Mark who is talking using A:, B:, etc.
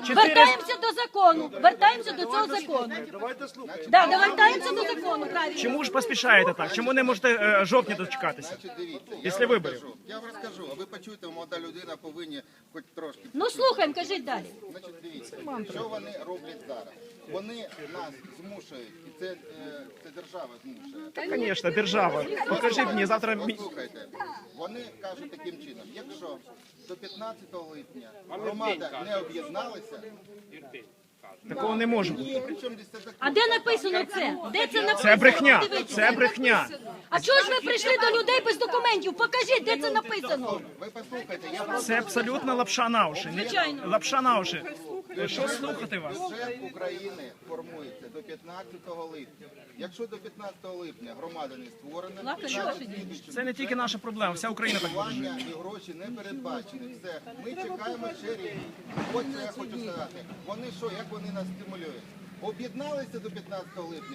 A: Вертаємося до закону. Вертаємося до цього закону. Да, вертаємося до закону, правильно.
B: Чому ж поспішаєте так? Чому не можете жовтня дочекатися?
C: Значить, дивіться,
B: Після виборів.
C: Я вам розкажу, а ви почуєте, молода людина повинні хоч трошки.
A: Ну слухаємо, кажіть далі.
C: Значить, дивіться, що вони роблять зараз? Вони нас змушують, і це держава змушує.
B: Звісно, держава. Покажіть мені завтра.
C: Послухайте, вони кажуть таким чином, якщо до 15 липня громада не об'єдналася,
B: Такого не може бути.
C: причому десь це закон.
A: А де написано це? Де це написано?
B: Це брехня.
A: Дивіться.
B: Це брехня.
A: А чого ж ви прийшли до людей без документів? Покажіть, де це написано.
C: Ви послухайте, я просто
B: Це абсолютно лапша на уші.
A: Звичайно.
B: Лапша на уші. Що слухати вас?
C: бюджет України формується до 15 липня. Якщо до 15 липня громада не створена,
A: Лака,
C: значить,
B: Це не тільки наша проблема, вся Україна так вважає.
C: фінансування і гроші не передбачені. Все, ми чекаємо ще рік. Ось що я хочу сказати. Вони що, як вони нас стимулюють? Об'єдналися до 15 липня.